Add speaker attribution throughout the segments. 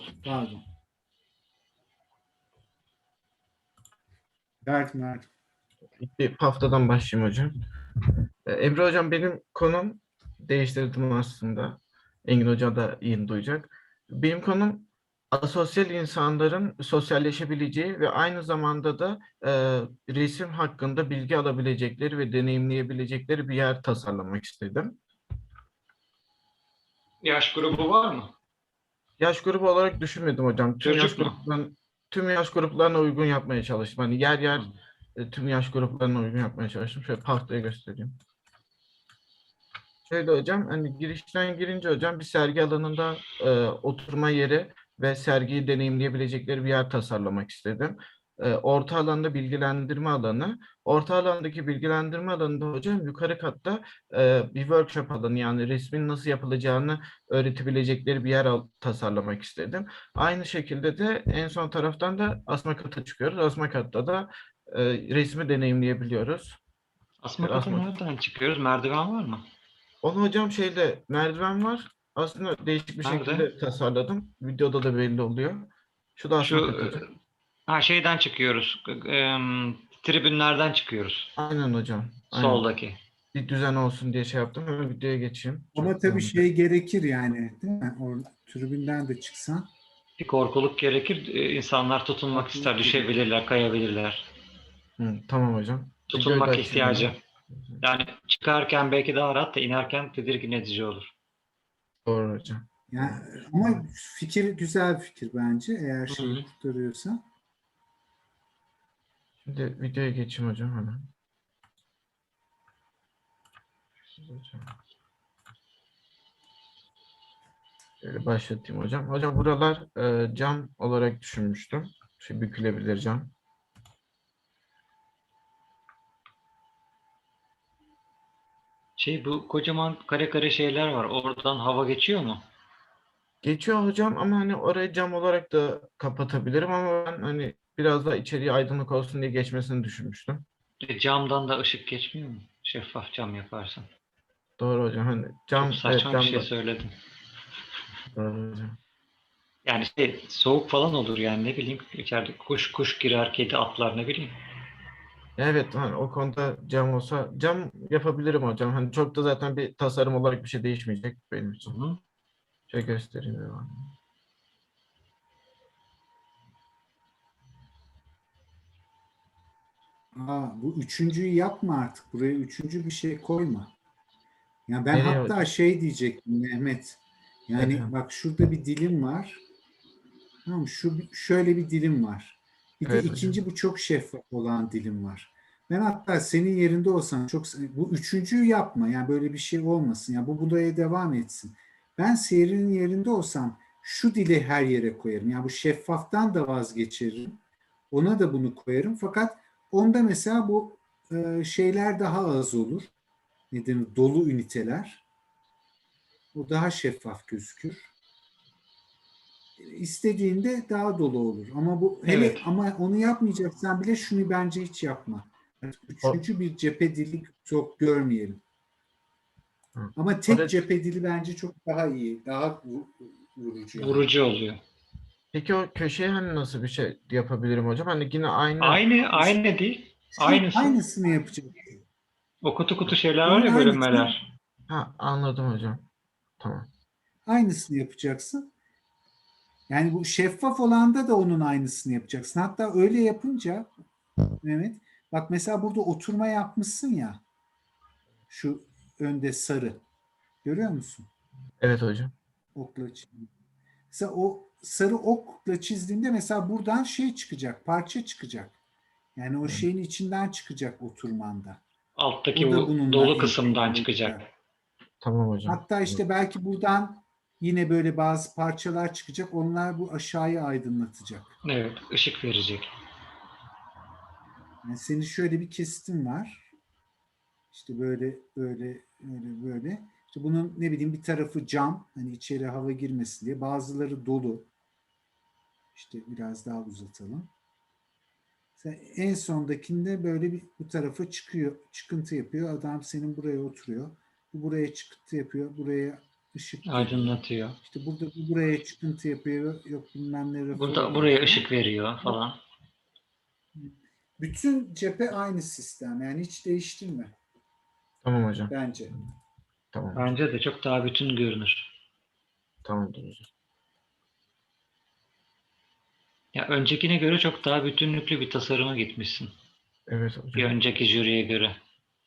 Speaker 1: Pardon. Verdim.
Speaker 2: Bir haftadan başlayayım hocam. Emre hocam benim konum değiştirdim aslında. Engin hoca da yeni duyacak. Benim konum asosyal insanların sosyalleşebileceği ve aynı zamanda da resim hakkında bilgi alabilecekleri ve deneyimleyebilecekleri bir yer tasarlamak istedim.
Speaker 3: Yaş grubu var mı?
Speaker 2: Yaş grubu olarak düşünmedim hocam.
Speaker 3: Çocuk mu?
Speaker 2: Tüm yaş gruplarına uygun yapmaya çalıştım. Hani yer yer
Speaker 3: Hı.
Speaker 2: tüm yaş gruplarına uygun yapmaya çalıştım. Şöyle tahtaya göstereyim. Şöyle hocam, hani girişten girince hocam bir sergi alanında oturma yeri ve sergiyi deneyimleyebilecekleri bir yer tasarlamak istedim. Orta alanda bilgilendirme alanı. Orta alandaki bilgilendirme alanında hocam yukarı katta bir workshop alanı, yani resmin nasıl yapılacağını öğretebilecekleri bir yer tasarlamak istedim. Aynı şekilde de en son taraftan da asma kata çıkıyoruz. Asma katta da resmi deneyimleyebiliyoruz.
Speaker 3: Asma
Speaker 2: Şöyle
Speaker 3: kata
Speaker 2: asma
Speaker 3: nereden çıkıyoruz? Merdiven var mı?
Speaker 2: Onu hocam şeyde merdiven var. Aslında değişik bir
Speaker 3: Nerede?
Speaker 2: şekilde tasarladım. Videoda da belli oluyor. Şu da
Speaker 3: Şu
Speaker 2: asma kat hocam.
Speaker 3: şeyden çıkıyoruz. Tribünlerden çıkıyoruz.
Speaker 2: Aynen hocam. Aynen.
Speaker 3: Soldaki.
Speaker 2: Bir düzen olsun diye şey yaptım. Hemen videoya geçeyim.
Speaker 1: Ama
Speaker 2: Çok
Speaker 1: tabii
Speaker 2: devam edelim.
Speaker 1: şey gerekir yani, değil mi? O tribünden de çıksan.
Speaker 3: Bir korkuluk gerekir. İnsanlar tutunmak ister,
Speaker 1: Farklılık gerekir.
Speaker 3: düşebilirler, kayabilirler.
Speaker 2: Tamam hocam. Videoyu da
Speaker 3: Tutunmak
Speaker 2: açayım
Speaker 3: ihtiyacı.
Speaker 2: hemen.
Speaker 3: Yani çıkarken belki daha rahat da inerken tedirgin edici olur.
Speaker 2: Doğru hocam.
Speaker 1: Yani, ama fikir güzel bir fikir bence, eğer
Speaker 3: Hı
Speaker 1: şeyi
Speaker 3: hı.
Speaker 1: kurtarıyorsa.
Speaker 2: Şimdi videoya geçeyim hocam hemen. Hocam. Şöyle başlatayım hocam. Hocam buralar cam olarak düşünmüştüm. Şey, bükülebilir cam.
Speaker 3: Bu kocaman kare kare şeyler var. Oradan hava geçiyor mu?
Speaker 2: Geçiyor hocam ama hani orayı cam olarak da kapatabilirim, ama ben hani biraz daha içeriye aydınlık olsun diye geçmesini düşünmüştüm.
Speaker 3: Camdan da ışık geçmiyor mu? Şeffaf cam yaparsan.
Speaker 2: Doğru hocam, hani
Speaker 3: Çok
Speaker 2: cam, evet,
Speaker 3: saçma bir
Speaker 2: cam
Speaker 3: şey
Speaker 2: da
Speaker 3: söyledim.
Speaker 2: doğru hocam.
Speaker 3: Yani soğuk falan olur yani, ne bileyim, içeride kuş girer, kedi atlar, ne bileyim.
Speaker 2: Evet, hani o konuda cam olsa cam yapabilirim hocam. Hani çok da zaten bir tasarım olarak bir şey değişmeyecek benim
Speaker 3: Hı
Speaker 2: için.
Speaker 3: hı.
Speaker 2: Şöyle göstereyim devam.
Speaker 1: Bu üçüncüyü yapma artık. Buraya üçüncü bir şey koyma. Ya ben
Speaker 2: Nereye
Speaker 1: hatta
Speaker 2: hocam?
Speaker 1: şey diyecektim Mehmet. Yani
Speaker 2: Efendim.
Speaker 1: bak, şurada bir dilim var. Tamam mı? Şöyle bir dilim var. Bir de
Speaker 2: Evet hocam.
Speaker 1: ikinci, bu çok şeffaf olan dilim var. Ben hatta senin yerinde olsam bu üçüncüyü yapma. Yani böyle bir şey olmasın. Yani bu buraya devam etsin. Ben seyrinin yerinde olsam şu dili her yere koyarım. Yani bu şeffaftan da vazgeçerim. Ona da bunu koyarım. Fakat onda mesela bu şeyler daha az olur. Nedir? Dolu üniteler. O daha şeffaf gözükür. İstediğinde daha dolu olur. Ama bu hele,
Speaker 3: Evet.
Speaker 1: ama onu yapmayacaksan bile şunu bence hiç yapma.
Speaker 2: O,
Speaker 1: Üçüncü bir cephe dili çok görmeyelim.
Speaker 2: hı.
Speaker 1: Ama tek
Speaker 2: Orada,
Speaker 1: cephe dili bence çok daha iyi. Daha vurucu yani.
Speaker 3: Vurucu oluyor.
Speaker 2: peki o köşeye hani nasıl bir şey yapabilirim hocam? Hani yine aynı.
Speaker 3: Aynı değil.
Speaker 1: Şunun
Speaker 3: Aynısı.
Speaker 1: aynısını yapacaksın.
Speaker 3: O kutu kutu şeyler var
Speaker 1: Bunun
Speaker 3: ya,
Speaker 1: aynısını
Speaker 3: bölünmeler.
Speaker 2: Ha, anladım hocam. Tamam.
Speaker 1: aynısını yapacaksın. Yani bu şeffaf olanda da onun aynısını yapacaksın. Hatta öyle yapınca Mehmet, bak mesela burada oturma yapmışsın ya, şu önde sarı. Görüyor musun?
Speaker 2: Evet hocam.
Speaker 1: Okla çizdim. Mesela o sarı okla çizdiğinde mesela buradan şey çıkacak, parça çıkacak. Yani o
Speaker 2: Evet.
Speaker 1: şeyin içinden çıkacak oturmanda.
Speaker 3: Alttaki
Speaker 1: O da
Speaker 3: bu
Speaker 1: bununla
Speaker 3: dolu kısımdan
Speaker 1: entegre
Speaker 3: çıkacak.
Speaker 1: olacak.
Speaker 2: Tamam hocam.
Speaker 1: Hatta işte belki buradan yine böyle bazı parçalar çıkacak. Onlar bu aşağıyı aydınlatacak.
Speaker 3: Evet, ışık verecek.
Speaker 1: Yani senin şöyle bir kesitin var. İşte böyle böyle. İşte bunun ne bileyim bir tarafı cam, hani içeri hava girmesin diye. Bazıları dolu. İşte biraz daha uzatalım. En sondakinde böyle bir bu tarafa çıkıyor, çıkıntı yapıyor. Adam senin buraya oturuyor. Bu buraya çıkıntı yapıyor. Buraya ışık geliyor.
Speaker 3: Aydınlatıyor.
Speaker 1: İşte burada bu buraya çıkıntı yapıyor. Yok bilmem ne reform
Speaker 3: Burada
Speaker 1: ediyor
Speaker 3: buraya
Speaker 1: falan.
Speaker 3: ışık veriyor falan.
Speaker 1: Bütün cephe aynı sistem. Yani hiç değiştirme
Speaker 2: Tamam hocam.
Speaker 1: bence.
Speaker 2: Tamam hocam.
Speaker 3: Bence de çok daha bütün görünür.
Speaker 2: Tamamdır hocam.
Speaker 3: Ya öncekine göre çok daha bütünlüklü bir tasarıma gitmişsin.
Speaker 2: Evet
Speaker 3: Bir
Speaker 2: hocam.
Speaker 3: önceki jüriye göre.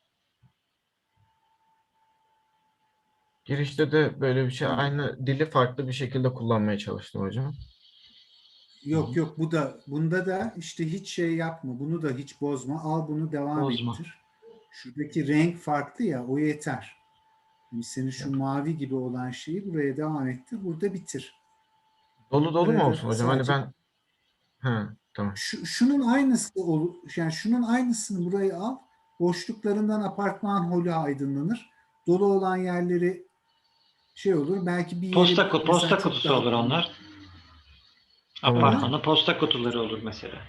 Speaker 2: Girişte de böyle bir şey, aynı dili farklı bir şekilde kullanmaya çalıştım hocam.
Speaker 1: Yok yok, bunda da işte hiç şey yapma. Bunu da hiç bozma. Al bunu devam
Speaker 3: Bozma.
Speaker 1: ettir. Şuradaki renk farklı ya, o yeter. Yani senin şu mavi gibi olan şeyi buraya devam ettir. Burada bitir.
Speaker 2: Dolu dolu mu
Speaker 1: Burada
Speaker 2: olsun
Speaker 1: da
Speaker 2: hocam? Hani
Speaker 1: sadece
Speaker 2: ben tamam.
Speaker 1: şunun aynısı yani şunun aynısını buraya al. Boşluklarından apartman holü aydınlanır. Dolu olan yerleri şey olur. Belki bir yeri mesela
Speaker 3: Posta
Speaker 1: çok
Speaker 3: kutusu
Speaker 1: daha
Speaker 3: olur onlar.
Speaker 2: Tamam hocam.
Speaker 3: Apartmanın posta kutuları olur mesela.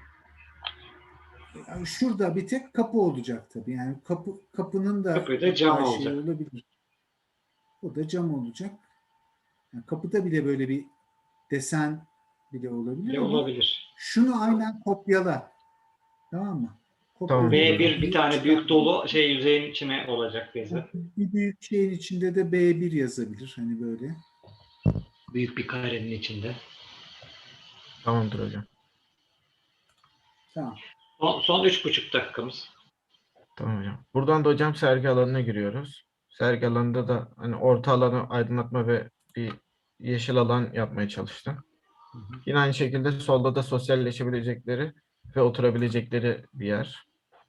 Speaker 1: yani şurada bir tek kapı olacak tabii. Yani kapının da
Speaker 3: Kapıyı da cam
Speaker 1: hatta şey
Speaker 3: olacak.
Speaker 1: olabilir. O da cam olacak. Yani kapıda bile böyle bir desen bile olabilir
Speaker 3: Bile
Speaker 1: ama
Speaker 3: olabilir.
Speaker 1: şunu aynen kopyala. Tamam mı? Kopyala
Speaker 2: Tamamdır hocam.
Speaker 3: B1 bir tane büyük dolu yüzeyin içine olacak bezi.
Speaker 1: Bir büyük şeyin içinde de B1 yazabilir. Hani böyle.
Speaker 3: Büyük bir karenin içinde.
Speaker 2: Tamamdır hocam.
Speaker 1: Tamam.
Speaker 3: Son 3,5 dakikamız.
Speaker 2: Tamam hocam. Buradan da hocam sergi alanına giriyoruz. Sergi alanında da hani orta alanı aydınlatma ve bir yeşil alan yapmaya çalıştım. Yine aynı şekilde solda da sosyalleşebilecekleri ve oturabilecekleri bir yer.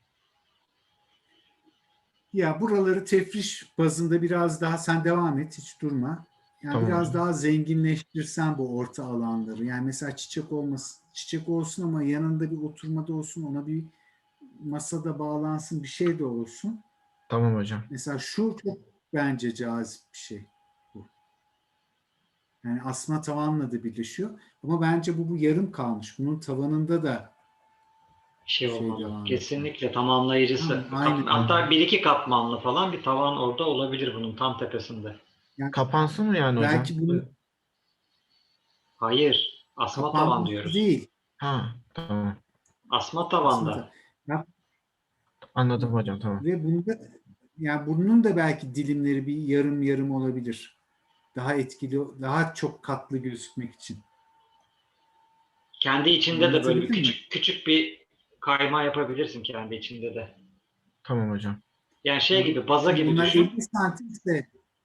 Speaker 1: Ya buraları tefriş bazında biraz daha sen devam et. Hiç durma. Yani
Speaker 2: Tamam
Speaker 1: biraz
Speaker 2: hocam.
Speaker 1: daha zenginleştirsen bu orta alanları. Yani mesela çiçek olmasın. Çiçek olsun ama yanında bir oturmada olsun. Ona bir masada bağlansın. Bir şey de olsun.
Speaker 2: Tamam hocam.
Speaker 1: Mesela şu çok bence cazip bir şey. Bu. Yani asma tavanla da birleşiyor. Ama bence bu yarım kalmış. Bunun tavanında da
Speaker 3: Şey
Speaker 1: şey
Speaker 3: olmalı.
Speaker 1: devam etmeli.
Speaker 3: Kesinlikle tamamlayıcısı.
Speaker 1: Tamam, aynı.
Speaker 3: Hatta bir iki katmanlı falan bir tavan orada olabilir bunun tam tepesinde.
Speaker 1: Yani
Speaker 2: Kapansın mı yani hocam?
Speaker 1: belki bunu
Speaker 3: Hayır. Asma tavan
Speaker 1: kapanması
Speaker 3: diyoruz.
Speaker 1: değil.
Speaker 2: Tamam.
Speaker 3: Asma
Speaker 1: Asma
Speaker 3: tavanda.
Speaker 1: tavan. Ya,
Speaker 2: Anladım hocam, tamam.
Speaker 1: ve bunda yani bunun da belki dilimleri bir yarım yarım olabilir. Daha etkili, daha çok katlı gözükmek için.
Speaker 3: Kendi içinde de böyle bir
Speaker 1: Anlatabildim mi?
Speaker 3: küçük küçük bir kayma yapabilirsin kendi içinde de.
Speaker 2: Tamam hocam.
Speaker 3: Yani şey gibi, baza
Speaker 1: Şimdi
Speaker 3: gibi
Speaker 1: bunlar
Speaker 3: düşün.
Speaker 1: 50 santimse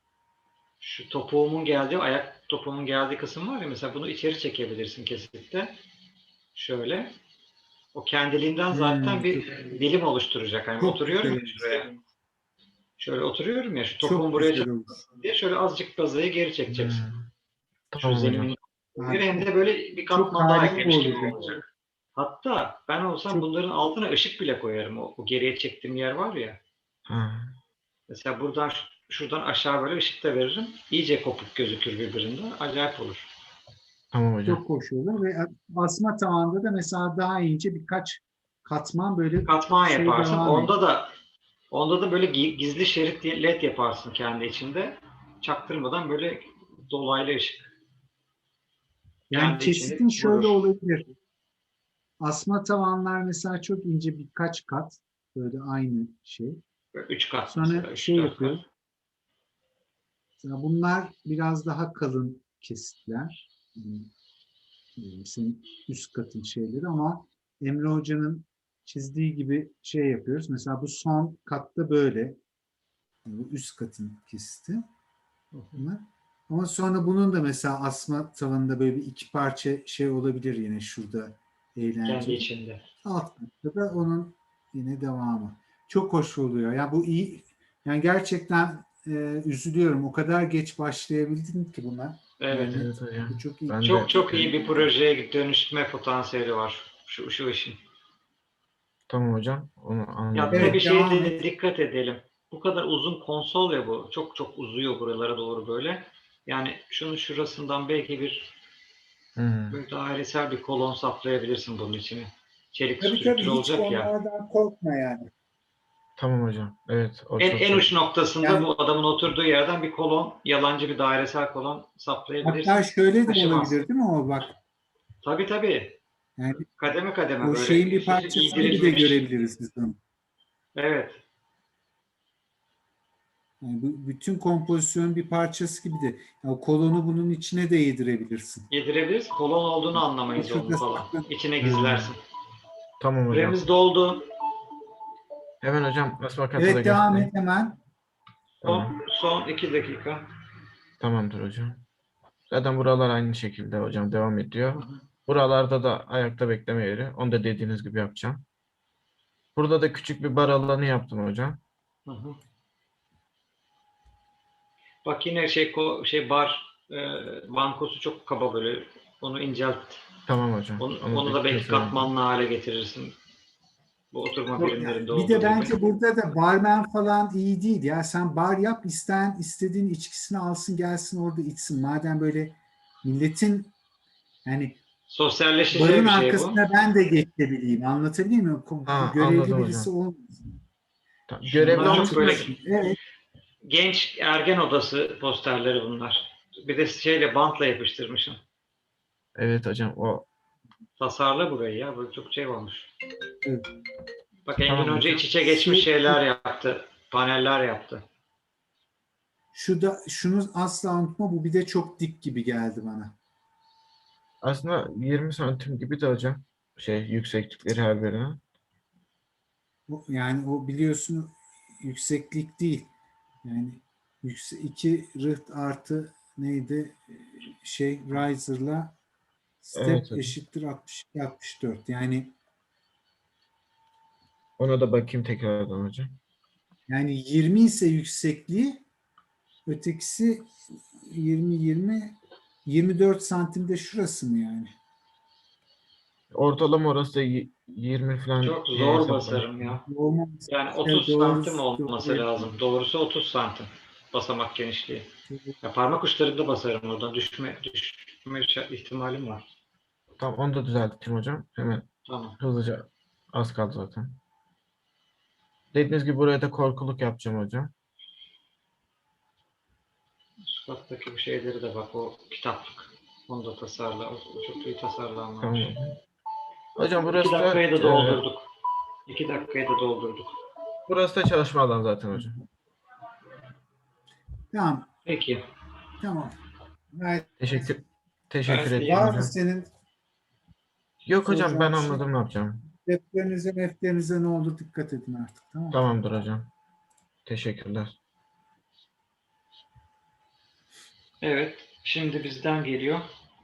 Speaker 3: Şu ayak topuğumun geldiği kısım var ya, mesela bunu içeri çekebilirsin kesinlikle. Şöyle. O kendiliğinden zaten bir
Speaker 1: çok,
Speaker 3: dilim oluşturacak. Hani
Speaker 1: çok
Speaker 3: oturuyorum
Speaker 1: güzel
Speaker 3: ya
Speaker 1: olur.
Speaker 3: şuraya. Şöyle oturuyorum ya, şu topuğum
Speaker 1: Çok
Speaker 3: buraya
Speaker 1: güzel olur.
Speaker 3: çarpmasın diye şöyle azıcık bazayı geri çekeceksin. Şu
Speaker 2: Tamam hocam.
Speaker 3: zeminin
Speaker 1: Ha,
Speaker 3: hem de böyle bir
Speaker 1: çok
Speaker 3: katman daha
Speaker 1: harika
Speaker 3: eklemiş gibi
Speaker 1: olur.
Speaker 3: olacak. Hatta ben olsam
Speaker 1: Çok
Speaker 3: bunların altına ışık bile koyarım. O geriye çektiğim yer var ya.
Speaker 2: Ha,
Speaker 3: Mesela buradan şuradan aşağı böyle ışık da veririm. İyice kopuk gözükür birbirinden. Acayip olur.
Speaker 2: tamam hocam.
Speaker 1: çok hoş olur ve asma tavanda da mesela daha ince birkaç katman böyle
Speaker 3: Katman
Speaker 1: şey
Speaker 3: yaparsın.
Speaker 1: devam ediyor.
Speaker 3: Onda da böyle gizli şerit led yaparsın kendi içinde. Çaktırmadan böyle dolaylı ışık.
Speaker 1: Yani
Speaker 3: Kendi içinde
Speaker 1: kesitin şöyle
Speaker 3: vurur.
Speaker 1: olabilir. Asma tavanlar mesela çok ince birkaç kat böyle aynı şey.
Speaker 3: Böyle 3 kat
Speaker 1: Sonra
Speaker 3: mesela. Üç
Speaker 1: şey
Speaker 3: dört kat.
Speaker 1: yapıyor. Mesela bunlar biraz daha kalın kesitler. Senin üst katın şeyleri ama Emre Hoca'nın çizdiği gibi şey yapıyoruz. Mesela bu son katta böyle. Yani bu üst katın kesiti. Bunlar. Ama sonra bunun da mesela asma tavanında böyle bir iki parça şey olabilir yine şurada
Speaker 3: Kendi
Speaker 1: eğlenceli.
Speaker 3: içinde.
Speaker 1: Alt katta da onun yine devamı. Çok hoş oluyor. Yani bu iyi. Yani gerçekten üzülüyorum. O kadar geç başlayabildin ki buna.
Speaker 3: Evet.
Speaker 1: Yani
Speaker 2: Evet hocam.
Speaker 1: bu çok iyi.
Speaker 2: Ben
Speaker 3: Çok
Speaker 2: de
Speaker 3: çok iyi bir projeye dönüştürme potansiyeli var şu işin.
Speaker 2: tamam hocam. Onu anladım.
Speaker 3: Ya bir
Speaker 1: Evet,
Speaker 3: şeye
Speaker 1: devam
Speaker 3: de
Speaker 1: et.
Speaker 3: dikkat edelim. Bu kadar uzun konsol ya bu. Çok çok uzuyor buralara doğru böyle. Yani şunun şurasından belki böyle dairesel bir kolon saplayabilirsin bunun içine. Çelik
Speaker 1: Tabii
Speaker 3: strüktür
Speaker 1: tabii hiç
Speaker 3: olacak ya.
Speaker 1: onlardan korkma yani.
Speaker 2: Tamam hocam. Evet, o
Speaker 3: En,
Speaker 2: çok
Speaker 3: en
Speaker 2: iyi.
Speaker 3: uç noktasında
Speaker 1: Yani
Speaker 3: bu adamın oturduğu yerden bir kolon, yalancı bir dairesel kolon
Speaker 1: hatta
Speaker 3: saplayabilirsin.
Speaker 1: şöyle de
Speaker 3: Taşımaz.
Speaker 1: olabilir değil mi o bak?
Speaker 3: Tabii tabii.
Speaker 1: Yani
Speaker 3: Kademe kademe
Speaker 1: o
Speaker 3: böyle
Speaker 1: şeyin bir
Speaker 3: üst üste
Speaker 1: parçası gibi de
Speaker 3: giydirilmiş.
Speaker 1: görebiliriz biz onu.
Speaker 3: Evet.
Speaker 1: Yani bütün kompozisyon bir parçası gibi de. Ya o kolonu bunun içine de yedirebilirsin.
Speaker 3: Yedirebiliriz. Kolon olduğunu anlamayız onun
Speaker 1: Şurada
Speaker 3: falan.
Speaker 1: saklı.
Speaker 3: İçine
Speaker 2: Hmm,
Speaker 3: gizlersin.
Speaker 2: tamam hocam.
Speaker 3: Süremiz doldu.
Speaker 2: Hemen hocam basma kartı da
Speaker 1: Evet, devam et
Speaker 2: göstereyim.
Speaker 1: hemen.
Speaker 2: Tamam.
Speaker 3: Son 2 dakika.
Speaker 2: Tamamdır hocam. Zaten buralar aynı şekilde hocam devam
Speaker 3: Hı
Speaker 2: ediyor.
Speaker 3: hı.
Speaker 2: Buralarda da ayakta bekleme yeri. Onu da dediğiniz gibi yapacağım. Burada da küçük bir bar alanı yaptım hocam.
Speaker 3: Hı hı. Bak yine bar bankosu çok kaba böyle. Onu incelt.
Speaker 2: Tamam hocam. Onu da
Speaker 3: Onu da belki
Speaker 2: tasarladım.
Speaker 3: katmanlı hale getirirsin. Bu oturma
Speaker 1: Ya,
Speaker 3: birimlerinde
Speaker 1: bir de
Speaker 3: olduğu gibi.
Speaker 1: bence burada da barmen falan iyi değil. Ya sen bar yap, isteyen istediğin içkisini alsın gelsin orada içsin. Madem böyle milletin, yani
Speaker 3: Sosyalleşeceği
Speaker 1: barın
Speaker 3: bir şey bu.
Speaker 1: arkasına ben de geçebileyim. Anlatabiliyor muyum?
Speaker 2: Ha,
Speaker 1: Görevli
Speaker 2: anladım
Speaker 1: birisi
Speaker 2: hocam.
Speaker 1: olmasın.
Speaker 2: Görevli
Speaker 3: Bunlar
Speaker 1: Rahat
Speaker 3: çok böyle
Speaker 2: olmasın.
Speaker 1: çalışsın. Evet.
Speaker 3: genç ergen odası posterleri bunlar. Bir de bantla yapıştırmışım.
Speaker 2: Evet hocam. O
Speaker 3: Tasarla burayı ya. Bu çok olmuş.
Speaker 1: Evet.
Speaker 3: Bak Engin
Speaker 2: tamam
Speaker 3: Hoca iç
Speaker 2: hocam.
Speaker 3: içe geçmiş
Speaker 1: Şu,
Speaker 3: şeyler yaptı. Paneller yaptı.
Speaker 1: şunu asla unutma, bu bir de çok dik gibi geldi bana.
Speaker 2: Aslında 20 santim gibi de hocam. Yükseklikleri her birine.
Speaker 1: Yani o biliyorsun yükseklik değil. Yani iki rıht artı neydi? Riser'la
Speaker 2: Evet
Speaker 1: step
Speaker 2: hocam.
Speaker 1: eşittir 62 64.
Speaker 2: Ona da bakayım tekrardan hocam.
Speaker 1: Yani 20 ise yüksekliği, ötekisi 24 santimde şurası mı yani?
Speaker 2: Ortalama orası da 20 falan
Speaker 3: Çok
Speaker 2: diye
Speaker 3: zor basarım
Speaker 2: hesaplamıştım.
Speaker 3: ya.
Speaker 1: Olmaması,
Speaker 3: Yani
Speaker 1: evet,
Speaker 3: 30 santim olması lazım. Doğrusu 30 santim basamak genişliği. Ya parmak uçlarında basarım oradan. Düşme ihtimalim var.
Speaker 2: Tamam, onu da düzelteyim hocam. Hemen
Speaker 3: Tamam.
Speaker 2: hızlıca, az kaldı zaten. Dediğiniz gibi buraya da korkuluk yapacağım hocam.
Speaker 3: Şu kattaki bu şeyleri de bak o kitaplık. Onu da tasarla. O çok iyi
Speaker 2: Tamam
Speaker 3: tasarlanmamış.
Speaker 2: hocam. Hocam
Speaker 3: 2
Speaker 2: burası da
Speaker 3: dakikayı da doldurduk. 2 dakikayı da doldurduk.
Speaker 2: burası da çalışma alanı zaten hocam.
Speaker 1: Tamam,
Speaker 3: Peki.
Speaker 1: tamam. Gayet
Speaker 2: Teşekkür teşekkür
Speaker 3: Gayet
Speaker 2: ettim
Speaker 3: iyi.
Speaker 1: var mı
Speaker 2: hocam.
Speaker 1: senin
Speaker 2: Yok hocam, ben
Speaker 1: soracağın bir şey?
Speaker 2: anladım ne yapacağım.
Speaker 1: Defterinize ne olur dikkat edin artık, tamam mı?
Speaker 2: Tamamdır hocam. Teşekkürler.
Speaker 3: Evet. Şimdi bizden geliyor.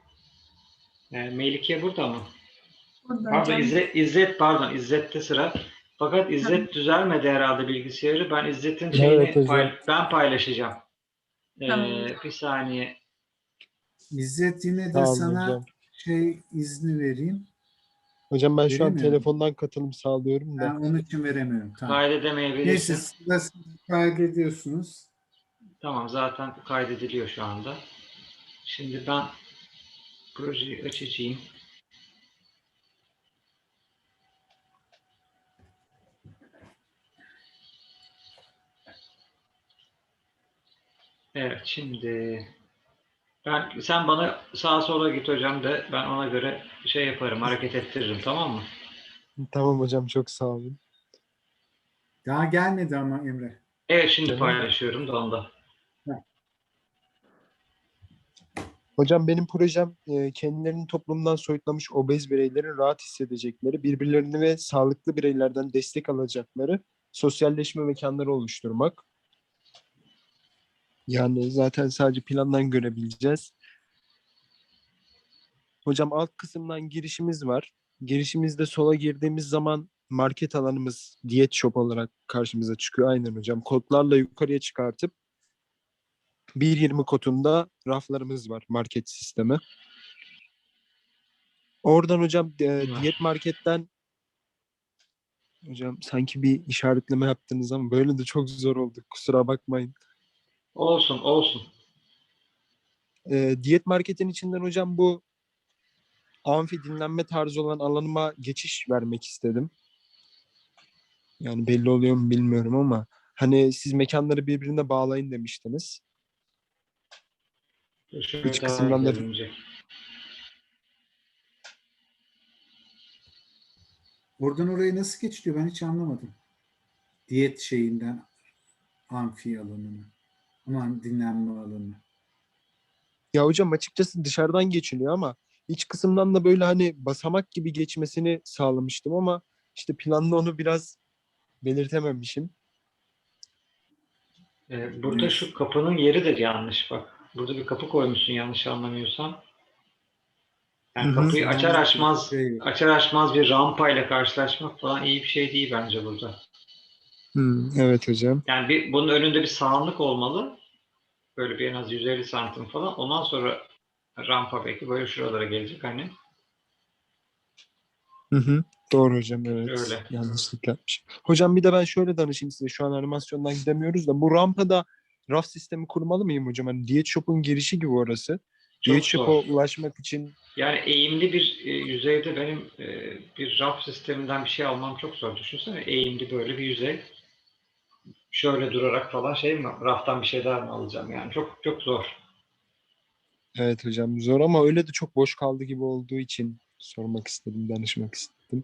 Speaker 3: Melike burada mı?
Speaker 4: Burada
Speaker 3: Pardon
Speaker 4: hocam.
Speaker 3: pardon İzzet'te sıra. Fakat
Speaker 4: Tamam.
Speaker 3: İzzet düzelmedi herhalde bilgisayarı. Ben İzzet'in
Speaker 5: Evet
Speaker 3: şeyini
Speaker 5: hocam.
Speaker 3: ben paylaşacağım.
Speaker 4: Tamam.
Speaker 3: Bir saniye.
Speaker 1: İzzet, yine de
Speaker 5: Tamam
Speaker 1: sana
Speaker 5: hocam.
Speaker 1: izni vereyim.
Speaker 5: Hocam ben şu an
Speaker 1: Veremiyorum.
Speaker 5: telefondan katılım sağlıyorum da.
Speaker 1: Ben onun için veremiyorum. Tamam. Neyse,
Speaker 3: Kaydedemeyebilirsin.
Speaker 1: sırasını kaydediyorsunuz.
Speaker 3: Tamam zaten kaydediliyor şu anda. Şimdi ben projeyi açacağım. Evet şimdi sen bana sağa sola git hocam de ben ona göre yaparım, hareket ettiririm, tamam mı?
Speaker 5: Tamam hocam, çok sağ olun.
Speaker 1: Daha gelmedi ama Emre.
Speaker 3: Evet şimdi
Speaker 5: Tamam.
Speaker 3: paylaşıyorum da onda.
Speaker 5: Hocam benim projem kendilerini toplumdan soyutlamış obez bireylerin rahat hissedecekleri, birbirlerini ve sağlıklı bireylerden destek alacakları sosyalleşme mekanları oluşturmak. Yani zaten sadece plandan görebileceğiz. Hocam alt kısımdan girişimiz var. Girişimizde sola girdiğimiz zaman market alanımız diyet shop olarak karşımıza çıkıyor. Aynen hocam. Kodlarla yukarıya çıkartıp 1.20 kodunda raflarımız var, market sistemi. Oradan hocam diyet marketten hocam sanki bir işaretleme yaptınız ama böyle de çok zor oldu. Kusura bakmayın.
Speaker 3: Olsun olsun.
Speaker 5: Diyet marketin içinden hocam bu amfi dinlenme tarzı olan alanıma geçiş vermek istedim. Yani belli oluyor mu bilmiyorum ama hani siz mekanları birbirine bağlayın demiştiniz.
Speaker 3: Şöyle
Speaker 5: İç
Speaker 3: daha
Speaker 5: kısımdan da
Speaker 3: görünecek.
Speaker 1: Oradan oraya nasıl geçiliyor ben hiç anlamadım. Diyet şeyinden amfi alanına. Aman dinlenme alanı.
Speaker 5: ya hocam açıkçası dışarıdan geçiliyor ama iç kısımdan da böyle hani basamak gibi geçmesini sağlamıştım ama işte planda onu biraz belirtememişim.
Speaker 3: Burada
Speaker 1: Neyse.
Speaker 3: şu kapının yeri de yanlış bak. Burada bir kapı koymuşsun yanlış anlamıyorsam.
Speaker 5: Hı
Speaker 3: Yani
Speaker 5: hı.
Speaker 3: kapıyı açar
Speaker 1: Sağlıklı bir
Speaker 3: açmaz
Speaker 1: şey.
Speaker 3: açar açmaz bir rampayla karşılaşmak falan iyi bir şey değil bence burada.
Speaker 5: Evet hocam.
Speaker 3: Yani bunun önünde bir sağanlık olmalı. Böyle bir en az 150 santim falan. Ondan sonra rampa belki böyle şuralara gelecek hani.
Speaker 5: Hı hı. Doğru hocam, evet.
Speaker 3: Öyle.
Speaker 5: Yanlışlık yapmışım. Hocam bir de ben şöyle danışayım size. Şu an animasyondan gidemiyoruz da bu rampada raf sistemi kurmalı mıyım hocam? Hani Diyet Shop'un girişi gibi orası. Diyet
Speaker 3: Çok
Speaker 5: Shop'a
Speaker 3: zor.
Speaker 5: ulaşmak için
Speaker 3: Yani eğimli bir yüzeyde benim bir raf sisteminden bir şey almam çok zor. Düşünsene eğimli böyle bir yüzey. Şöyle durarak falan şey mi? Raftan bir şeyler mi alacağım? Yani çok çok zor.
Speaker 5: evet hocam zor ama öyle de çok boş kaldı gibi olduğu için sormak istedim, danışmak istedim.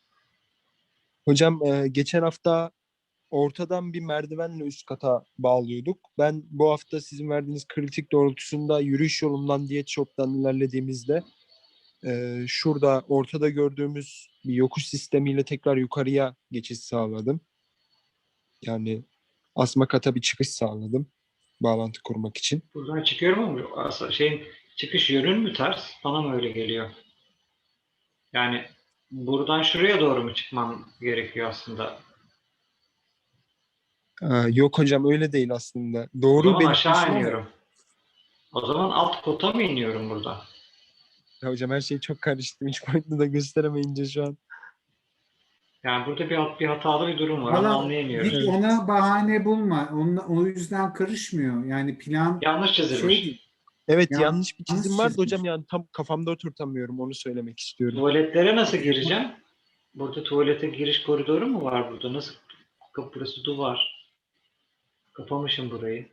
Speaker 5: Hocam geçen hafta ortadan bir merdivenle üst kata bağlıyorduk. Ben bu hafta sizin verdiğiniz kritik doğrultusunda yürüyüş yolundan Diyet Shop'tan ilerlediğimizde şurada ortada gördüğümüz bir yokuş sistemiyle tekrar yukarıya geçiş sağladım. Yani asma kata bir çıkış sağladım bağlantı kurmak için.
Speaker 3: Buradan çıkıyorum ama aslında şeyin çıkış yönün mü ters? Bana mı öyle geliyor? Yani buradan şuraya doğru mu çıkmam gerekiyor aslında?
Speaker 5: Yok hocam öyle değil aslında.
Speaker 3: O
Speaker 5: Doğru
Speaker 3: zaman aşağı
Speaker 5: belirtmişim ama
Speaker 3: iniyorum. O zaman alt kota mı iniyorum burada?
Speaker 5: ya hocam her şey çok karıştı. Hiç boyutlu da gösteremeyince şu an.
Speaker 3: Yani burada bir hatalı bir durum var. Onu
Speaker 1: Valla
Speaker 3: anlayamıyorum.
Speaker 1: hiç
Speaker 5: Evet.
Speaker 1: ona bahane bulma. O yüzden karışmıyor. Yani plan
Speaker 3: Yanlış
Speaker 1: şey
Speaker 3: çizilmiş.
Speaker 1: değil.
Speaker 5: Evet yanlış bir çizim
Speaker 1: Yanlış
Speaker 5: vardı hocam
Speaker 1: çizmiş.
Speaker 5: yani tam kafamda oturtamıyorum onu söylemek istiyorum.
Speaker 3: Tuvaletlere nasıl gireceğim? Burada tuvalete giriş koridoru mu var burada? Nasıl? Burası duvar. Kapamışım burayı.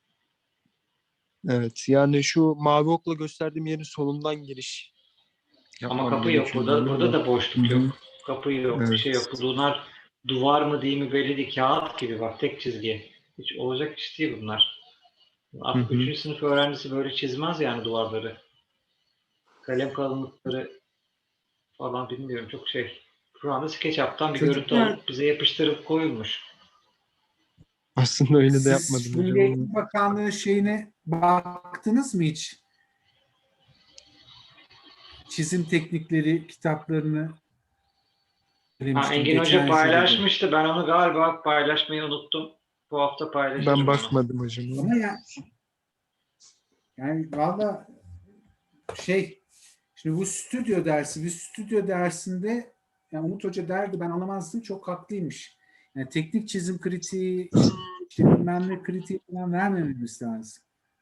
Speaker 5: Evet yani şu mavi okla gösterdiğim yerin solundan giriş
Speaker 3: Ama
Speaker 5: yapmam
Speaker 3: kapı yok.
Speaker 5: gerekiyor
Speaker 3: Burada,
Speaker 5: galiba
Speaker 3: burada
Speaker 5: da.
Speaker 3: da
Speaker 5: Hı
Speaker 3: boşluk
Speaker 5: hı.
Speaker 3: yok. Kapı yok. Bir şey
Speaker 5: Evet.
Speaker 3: yok. Bunlar duvar mı değil mi belli değil. Kağıt gibi bak tek çizgi. Hiç olacak iş değil bunlar.
Speaker 5: Hı
Speaker 3: Artık
Speaker 5: hı.
Speaker 3: 3. sınıf öğrencisi böyle çizmez yani duvarları. Kalem kalınlıkları falan bilmiyorum. Çok şey. Şu anda SketchUp'tan bir görüntü
Speaker 1: Çocuklar
Speaker 3: alıp bize yapıştırıp koyulmuş.
Speaker 5: Aslında öyle de
Speaker 1: siz
Speaker 5: yapmadım
Speaker 1: Milli
Speaker 5: hocam ama.
Speaker 1: Eğitim Bakanlığı şeyine baktınız mı hiç? Çizim teknikleri kitaplarını
Speaker 3: Ha,
Speaker 1: söylemiştim
Speaker 3: Engin Hoca
Speaker 1: geçen jüride.
Speaker 3: paylaşmıştı. Ben onu galiba paylaşmayı unuttum. Bu hafta
Speaker 5: Ben
Speaker 3: paylaşırım onu.
Speaker 5: bakmadım hocam.
Speaker 1: Ama yani valla şey şimdi bu stüdyo dersinde yani Umut Hoca derdi ben alamazdım çok haklıymış. Yani teknik çizim kritiği işte bilmem ne kritiği falan vermememiz lazım.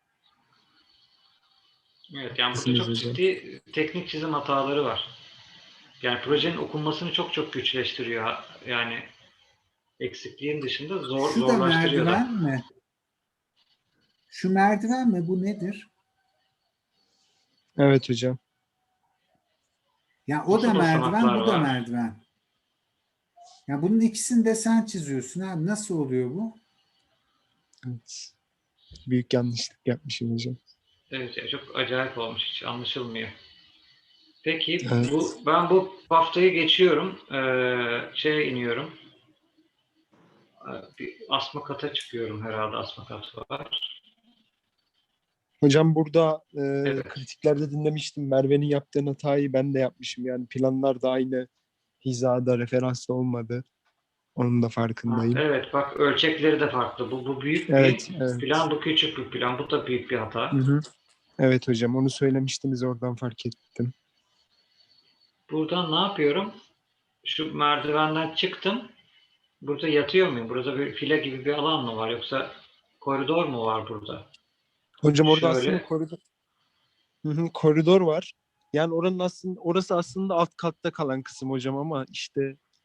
Speaker 3: Evet yani burada
Speaker 5: Haklısınız
Speaker 3: çok
Speaker 5: hocam.
Speaker 3: ciddi teknik çizim hataları var. Yani projenin okunmasını çok çok güçleştiriyor. Yani eksikliğin dışında
Speaker 1: Şu da
Speaker 3: zorlaştırıyor da.
Speaker 1: merdiven mi? Şu merdiven mi? Bu nedir?
Speaker 5: Evet hocam.
Speaker 1: Ya o da
Speaker 3: Nasıl
Speaker 1: merdiven,
Speaker 3: basamaklar
Speaker 1: bu da
Speaker 3: var?
Speaker 1: merdiven. Ya bunun ikisini de sen çiziyorsun abi. Nasıl oluyor bu?
Speaker 5: Evet. Büyük yanlışlık yapmışım hocam.
Speaker 3: Evet ya çok acayip olmuş. Hiç anlaşılmıyor. Peki
Speaker 5: Evet.
Speaker 3: ben bu haftayı geçiyorum. Şeye iniyorum. Bir asma kata çıkıyorum herhalde. Asma katı var.
Speaker 5: Hocam burada
Speaker 3: Evet.
Speaker 5: kritiklerde dinlemiştim. Merve'nin yaptığın hatayı ben de yapmışım. Yani planlar da aynı hizada, referansta olmadı. Onun da
Speaker 3: Ha,
Speaker 5: farkındayım.
Speaker 3: evet bak ölçekleri de farklı. Bu büyük
Speaker 5: Evet,
Speaker 3: bir
Speaker 5: evet.
Speaker 3: plan, bu küçük bir plan. Bu da büyük bir hata.
Speaker 5: Hı hı. Evet hocam onu söylemiştiniz oradan fark ettim.
Speaker 3: Buradan ne yapıyorum? Şu merdivenden çıktım. Burada yatıyor muyum? Burada bir file gibi bir alan mı var? Yoksa koridor mu var burada?
Speaker 5: Hocam orada aslında
Speaker 3: Şöyle.
Speaker 5: koridor, hı hı, koridor var. Yani orası aslında alt katta kalan kısım hocam ama işte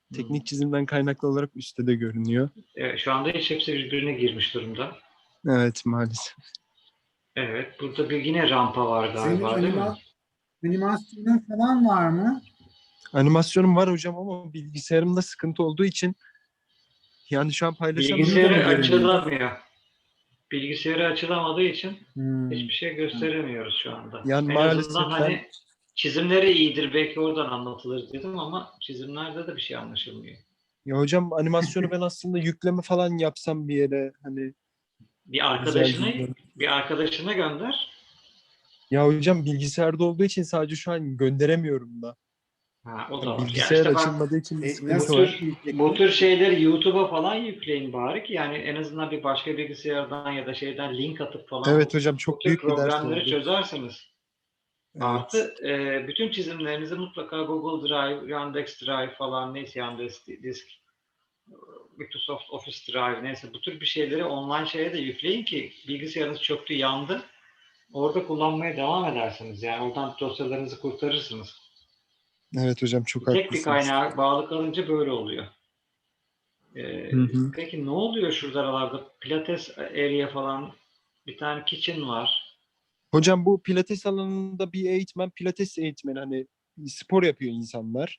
Speaker 5: Teknik çizimden kaynaklı olarak üstte de görünüyor.
Speaker 3: Şu anda hiç hepsi birbirine girmiş durumda.
Speaker 5: Evet, maalesef.
Speaker 3: Evet. Burada bir yine rampa var
Speaker 1: Senin
Speaker 3: galiba değil mi?
Speaker 1: animasyonun falan var mı?
Speaker 5: Animasyonum var hocam ama bilgisayarımda sıkıntı olduğu için yani şu an paylaşsam burada mı
Speaker 3: Bilgisayarı
Speaker 5: görünüyor?
Speaker 3: açılamıyor. Bilgisayarı açılamadığı için
Speaker 1: Hmm.
Speaker 3: hiçbir şey gösteremiyoruz şu anda.
Speaker 5: Yani
Speaker 3: En azından
Speaker 5: maalesef ben
Speaker 3: hani çizimleri iyidir, belki oradan anlatılır dedim ama çizimlerde de bir şey anlaşılmıyor.
Speaker 5: ya hocam animasyonu ben aslında yükleme falan yapsam bir yere hani
Speaker 3: Bir
Speaker 5: güzel
Speaker 3: arkadaşına
Speaker 5: bir.
Speaker 3: bir arkadaşına gönder.
Speaker 5: Ya hocam bilgisayarda olduğu için sadece şu an gönderemiyorum da.
Speaker 3: Ha, o da
Speaker 5: Yani
Speaker 3: var. Ya
Speaker 5: bilgisayar
Speaker 3: işte bak,
Speaker 5: açılmadığı için bir sıkıntı
Speaker 3: bu
Speaker 1: Nasıl
Speaker 5: var.
Speaker 3: tür bu
Speaker 1: yiyecekler?
Speaker 3: tür şeyleri YouTube'a falan yükleyin bari ki yani en azından bir başka bilgisayardan ya da şeyden link atıp falan
Speaker 5: Evet
Speaker 3: bu,
Speaker 5: hocam
Speaker 3: bu
Speaker 5: çok
Speaker 3: tür
Speaker 5: büyük bir ders
Speaker 3: problemleri
Speaker 5: oldu.
Speaker 3: çözersiniz.
Speaker 5: Evet.
Speaker 3: Artı bütün çizimlerinizi mutlaka Google Drive, Yandex Drive falan neyse Yandex Disk, Microsoft Office Drive neyse bu tür bir şeyleri online şeye de yükleyin ki bilgisayarınız çöktü, yandı. Orada kullanmaya devam edersiniz. Yani oradan dosyalarınızı kurtarırsınız.
Speaker 5: Evet hocam çok
Speaker 3: Tek bir
Speaker 5: haklısınız.
Speaker 3: kaynağa bağlı kalınca böyle oluyor.
Speaker 5: Hı hı.
Speaker 3: Peki ne oluyor şurada aralarda? Pilates area falan, bir tane kitchen var.
Speaker 5: Hocam bu pilates alanında bir eğitmen, pilates eğitmeni hani spor yapıyor insanlar.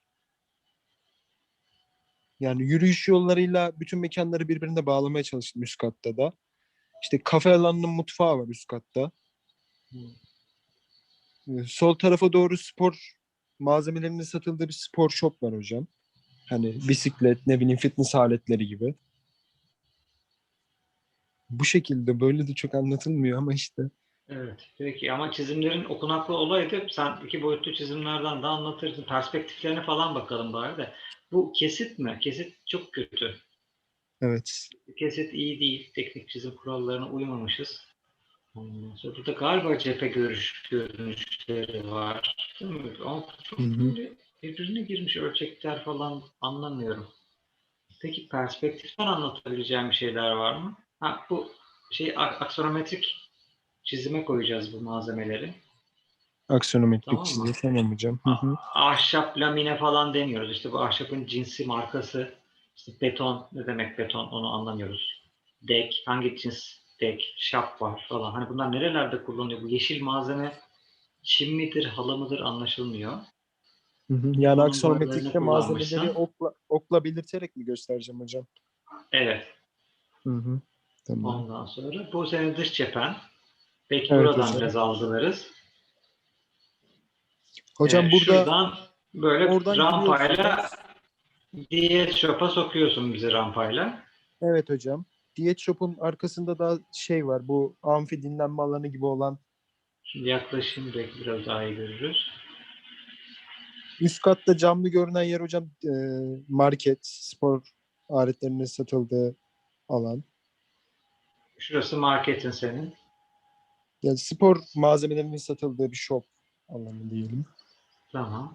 Speaker 5: Yani yürüyüş yollarıyla bütün mekanları birbirine bağlamaya çalıştım üst katta da. İşte kafe alanının mutfağı var üst katta. Sol tarafa doğru spor malzemelerinin satıldığı bir spor shop var hocam. Hani bisiklet, ne bileyim fitness aletleri gibi. Bu şekilde böyle de çok anlatılmıyor ama işte.
Speaker 3: Evet. Peki ama çizimlerin okunaklı olaydı. Sen iki boyutlu çizimlerden de anlatırdın. Perspektiflerine falan bakalım bari de. Bu kesit mi? Kesit çok kötü.
Speaker 5: Evet.
Speaker 3: Kesit iyi değil. Teknik çizim kurallarına uymamışız. Ondan sonra burada galiba cephe görünüşleri var. Değil mi? Ama
Speaker 5: Hı
Speaker 3: çok
Speaker 5: hı.
Speaker 3: böyle birbirine girmiş ölçekler falan anlamıyorum. Peki perspektiften anlatabileceğim bir şeyler var mı? Ha, bu şey aksonometrik çizime koyacağız bu malzemeleri.
Speaker 5: Aksonometrik
Speaker 3: Tamam mı?
Speaker 5: çizgi tamam hocam. Hı hı.
Speaker 3: Ahşap lamine falan demiyoruz. İşte bu ahşabın cinsi, markası, işte beton, ne demek beton onu anlamıyoruz. Dek, hangi cins dek, şap var falan. Hani bunlar nerelerde kullanılıyor? Bu yeşil malzeme çim midir, halı mıdır anlaşılmıyor.
Speaker 5: Hı hı. Yani
Speaker 3: Onun boyalarını
Speaker 5: aksonometrikte malzemeleri
Speaker 3: kullanmışsın.
Speaker 5: okla belirterek mi göstereceğim hocam?
Speaker 3: Evet.
Speaker 5: Hı hı. Tamam.
Speaker 3: Ondan sonra bu senin dış cephen. Belki
Speaker 5: Evet
Speaker 3: buradan
Speaker 5: hocam.
Speaker 3: biraz algılarız.
Speaker 5: Hocam burada
Speaker 3: Şuradan böyle
Speaker 5: oradan
Speaker 3: rampayla
Speaker 5: giriyorsunuz.
Speaker 3: diyet shop'a sokuyorsun bizi rampayla.
Speaker 5: Evet hocam. Diyet Shop'un arkasında da şey var. Bu amfi dinlenme alanı gibi olan.
Speaker 3: Şimdi yaklaşayım belki biraz daha iyi görürüz.
Speaker 5: Üst katta camlı görünen yer hocam market, spor aletlerinin satıldığı alan.
Speaker 3: Şurası marketin senin.
Speaker 5: Yani spor malzemelerinin satıldığı bir shop alanı diyelim.
Speaker 3: Tamam.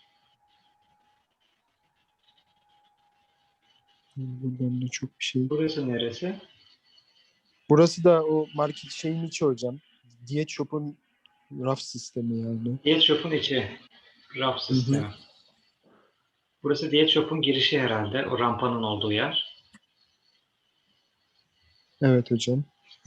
Speaker 5: Buradan da çok bir şey.
Speaker 3: Burası neresi?
Speaker 5: Burası da o market şeyin içi hocam. Diyet Shop'un raf sistemi yani.
Speaker 3: Diyet shop'un içi. Raf
Speaker 5: Hı hı.
Speaker 3: sistemi. Burası diyet shop'un girişi herhalde. O rampanın olduğu yer.
Speaker 5: Evet hocam.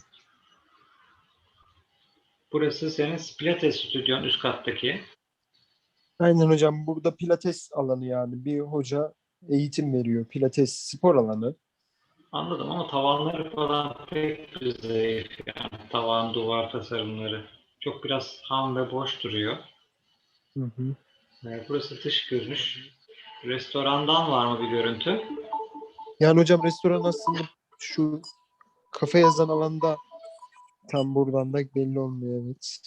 Speaker 3: Burası senin Pilates stüdyon üst kattaki.
Speaker 5: Aynen hocam. Burada pilates alanı yani. Bir hoca eğitim veriyor. Pilates spor alanı.
Speaker 3: Anladım ama tavanları falan pek bir zayıf. Yani tavan, duvar tasarımları. Çok biraz ham ve boş duruyor.
Speaker 5: Hı hı.
Speaker 3: Burası dış görünüş. Restorandan var mı bir görüntü?
Speaker 5: Yani hocam restoran aslında şu kafe yazan alanda tam buradan da belli olmuyor evet.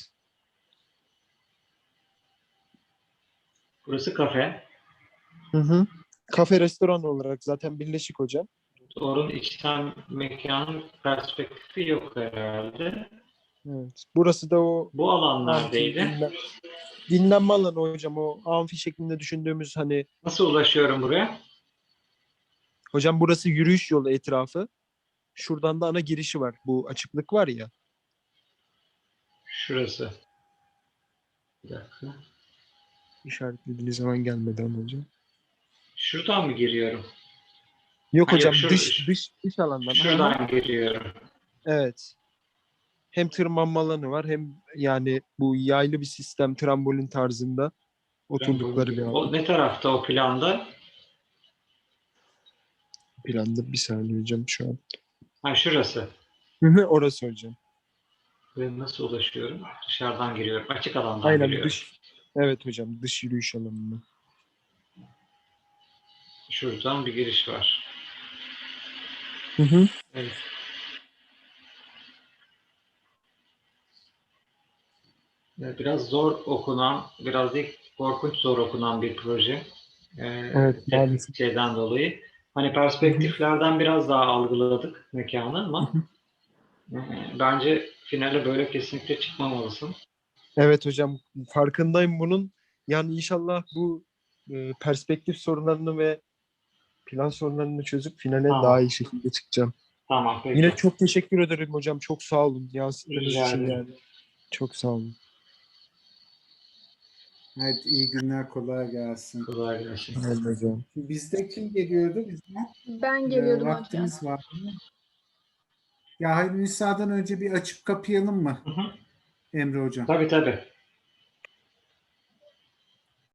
Speaker 3: Burası kafe.
Speaker 5: Hı hı. Kafe restoran olarak zaten birleşik hocam.
Speaker 3: Doğru'nun içten mekanın perspektifi yok herhalde.
Speaker 5: Evet. Burası da o
Speaker 3: Bu alan
Speaker 5: amfi
Speaker 3: neredeydi?
Speaker 5: dinlenme alanı hocam. O amfi şeklinde düşündüğümüz hani
Speaker 3: Nasıl ulaşıyorum buraya?
Speaker 5: hocam burası yürüyüş yolu etrafı. Şuradan da ana girişi var. Bu açıklık var ya.
Speaker 3: Şurası. Bir dakika.
Speaker 5: İşaretlediğiniz zaman gelmeden hocam.
Speaker 3: Şuradan mı giriyorum?
Speaker 5: Yok
Speaker 3: Ha, yok,
Speaker 5: hocam
Speaker 3: şu-
Speaker 5: dış alandan.
Speaker 3: Şuradan giriyorum.
Speaker 5: Evet. Hem tırmanma alanı var hem yani bu yaylı bir sistem trambolin tarzında oturdukları bir
Speaker 3: O
Speaker 5: alan.
Speaker 3: ne tarafta o planda?
Speaker 5: Planda bir saniye hocam şu an.
Speaker 3: Ha, şurası.
Speaker 5: Orası hocam.
Speaker 3: Ve nasıl ulaşıyorum? Dışarıdan giriyorum. Açık alandan
Speaker 5: Aynen
Speaker 3: giriyorum.
Speaker 5: evet hocam dış yürüyüş alanında.
Speaker 3: Şuradan bir giriş var. Evet. Biraz zor okunan, biraz değil korkunç zor okunan bir proje.
Speaker 5: Evet, maalesef.
Speaker 3: Şeyden dolayı. Hani perspektiflerden biraz daha algıladık mekanı ama bence finale böyle kesinlikle çıkmamalısın.
Speaker 5: Evet hocam farkındayım bunun. Yani inşallah bu perspektif sorunlarını ve plan sorunlarını çözüp finale
Speaker 3: Tamam.
Speaker 5: daha iyi şekilde çıkacağım.
Speaker 3: Tamam, peki.
Speaker 5: Yine çok teşekkür ederim hocam. Çok sağ olun. Yansıttığınız
Speaker 3: Rica
Speaker 5: için
Speaker 3: ederim.
Speaker 5: yani. Çok sağ olun.
Speaker 1: Evet, iyi günler, kolay gelsin.
Speaker 3: Kolay gelsin.
Speaker 5: Evet hocam.
Speaker 1: Bizde kim geliyordu? Bizden
Speaker 4: Ben geliyordum hocam.
Speaker 1: vaktimiz var mı? Ya hayır, Nisa'dan önce bir açıp kapayalım mı
Speaker 3: Hı hı.
Speaker 1: Emre Hocam?
Speaker 3: Tabii tabii.